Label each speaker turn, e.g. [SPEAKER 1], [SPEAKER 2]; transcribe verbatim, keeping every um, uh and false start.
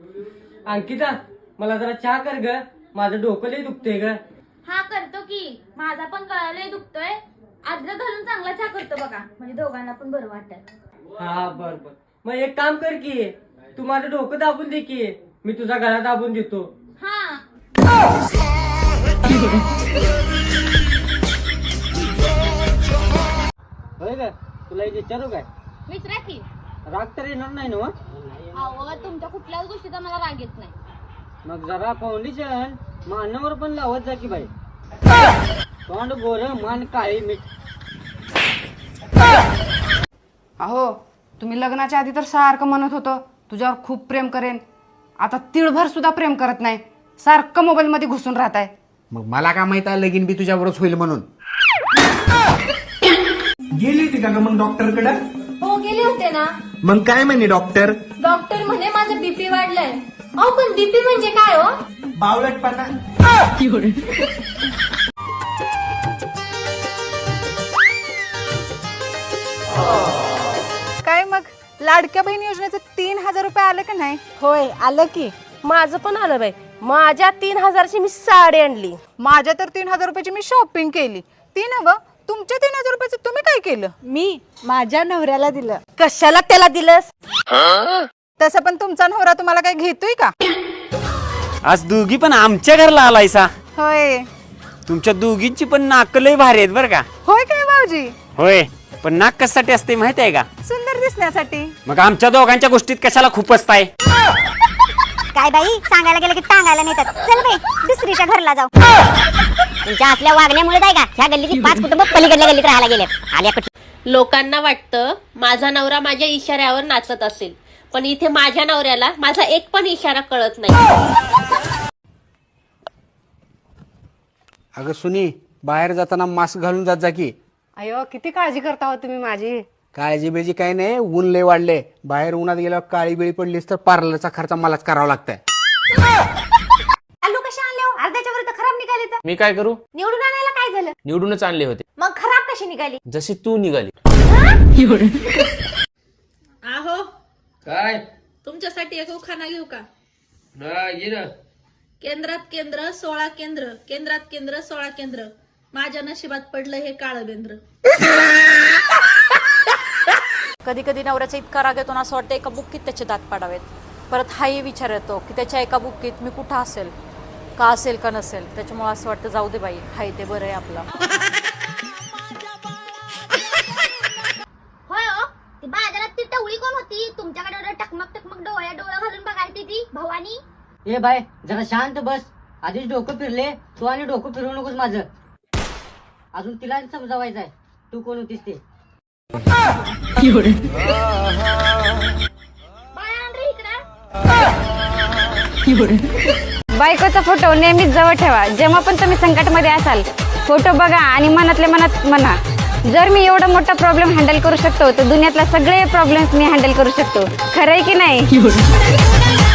[SPEAKER 1] अंकिता मला जरा चहा कर ग, माझं डोकं लय दुखतंय ग.
[SPEAKER 2] हा करतो की, माझा पण कळालंय दुखतोय. आजला घालून चांगला चहा करतो बघा, म्हणजे दोघांना पण बरं वाटत.
[SPEAKER 1] हा बर बर, मग एक काम कर की, तू माझं डोकं दाबून दे की, मी तुझा गळा दाबून देतो.
[SPEAKER 2] हा
[SPEAKER 1] होय ग, तुला एक विचारू काय?
[SPEAKER 2] विचारा की.
[SPEAKER 1] राग तर येणार नाही ना?
[SPEAKER 2] अहो तुमच्या कुठल्याच गोष्टीचा मला राग येत नाही.
[SPEAKER 1] मग जरा फाउंडेशन मानावर पण लावत जा की बाई. तोंड गोर मान काळी मीठ.
[SPEAKER 3] अहो तुम्ही लग्नाच्या आधी तर सारखं म्हणत होतं तुझ्यावर खूप प्रेम करेन, आता तिळभर सुद्धा प्रेम करत नाही, सारखं मोबाईल मध्ये घुसून राहताय.
[SPEAKER 4] मग मला काय माहित आहे लगीन बी तुझ्यावरच होईल म्हणून.
[SPEAKER 5] गेली होती का ग मग डॉक्टर कडे?
[SPEAKER 2] हो गेले होते ना.
[SPEAKER 5] मग काय म्हणे डॉक्टर?
[SPEAKER 2] डॉक्टर म्हणे माझं बीपी वाढलंय. अहो पण बीपी म्हणजे काय हो?
[SPEAKER 5] बावळटपणा.
[SPEAKER 3] काय मग लाडक्या बहीण योजनेचे तीन हजार रुपये आले का नाही?
[SPEAKER 6] होय आलं की, माझं पण आलं बाई. माझ्या तीन हजारची मी साडी आणली.
[SPEAKER 3] माझ्या तर तीन हजार रुपयाची मी शॉपिंग केली. तीन हवं, तुमच्या तीन हजार रुपयाचं तुम्ही काय केलं?
[SPEAKER 6] मी माझ्या नवऱ्याला दिलं. कशाला त्याला दिलंस?
[SPEAKER 3] तसं पण तुमचा नवरा तुम्हाला काय घेतोय का?
[SPEAKER 7] आज दोघी पण आमच्या घरला आलायसा.
[SPEAKER 3] होय.
[SPEAKER 7] तुमच्या दोघींची पण नाक लय भारी आहेत बरं का.
[SPEAKER 3] होय काय भाऊजी?
[SPEAKER 7] होय, पण नाक कशासाठी असते माहित आहे का?
[SPEAKER 3] सुंदर दिसण्यासाठी.
[SPEAKER 7] मग आमच्या दोघांच्या गोष्टीत कशाला खूप असताय?
[SPEAKER 8] काय बाई, सांगायला गेलं की टांगायला नेतात. चल बाई दुसरीच्या घरला जाऊ. तुमच्या असल्या वागण्यामुळे काय का ह्या गल्लीची पाच कुटुंब पलीकडल्या गल्लीत राहायला गेले. आल्या कुठे
[SPEAKER 6] लोकांना वाटतं माझा नवरा माझ्या इशाऱ्यावर नाचत असेल, पण इथे माझ्या नवऱ्याला माझा एक पण इशारा कळत नाही.
[SPEAKER 4] अगं सुनी, बाहेर जाताना मास्क घालून जात जा की.
[SPEAKER 3] अयो किती काळजी करता हो तुम्ही माझी.
[SPEAKER 4] काळजी बिळजी काही नाही, ऊन लय वाढले. बाहेर उन्हात गेल्यावर काळी बिळी पडलीस तर पार्लरचा खर्च मलाच करावा लागतंय.
[SPEAKER 8] आलू कशा आणले हो? अर्ध्याच्या वर तर खराब निघाले. तर
[SPEAKER 9] मी काय करू?
[SPEAKER 8] निवडून आणायला काय झालं?
[SPEAKER 9] निवडूनच आणले होते.
[SPEAKER 8] मग खराब कशी निघाली?
[SPEAKER 9] जशी तू निघाली.
[SPEAKER 6] आहो
[SPEAKER 1] काय?
[SPEAKER 6] तुमच्यासाठी एक उखाणा घेऊ का?
[SPEAKER 1] हा ये ना.
[SPEAKER 6] केंद्रात केंद्र सोळा केंद्र, केंद्रात केंद्र सोळा केंद्र, माझ्या नशिबात पडलं हे काळं बेंद्र.
[SPEAKER 10] कधी कधी नवऱ्याचा इतका राग येतो ना, असं वाटतं एका बुक्कीत त्याचे दात पाडावेत. परत हाही विचार येतो की त्याच्या एका बुक्कीत मी कुठं असेल, का असेल का नसेल. त्याच्यामुळे असं वाटतं जाऊ दे बाई, हाय ते बरं आहे आपलं.
[SPEAKER 2] होय हो, ती बाजारात ती टवळी कोण होती तुमच्याकडे एवढं टकमक टकमक डोळ्या डोळा घालून बघायची ती भवानी?
[SPEAKER 1] ए बाय जरा शांत बस, आधीच डोकं फिरले तू आणि डोकं फिरवू नकोस माझं. अजून तिला समजावायचं आहे तू कोण होतीस ते.
[SPEAKER 8] बायकोचा फोटो नेहमीच जवळ ठेवा. जेव्हा पण तुम्ही संकटमध्ये असाल, फोटो बघा आणि मनातल्या मनात म्हणा, जर मी एवढा मोठा प्रॉब्लेम हँडल करू शकतो तर दुनियातला सगळे प्रॉब्लेम्स मी हँडल करू शकतो. खरंय की नाही?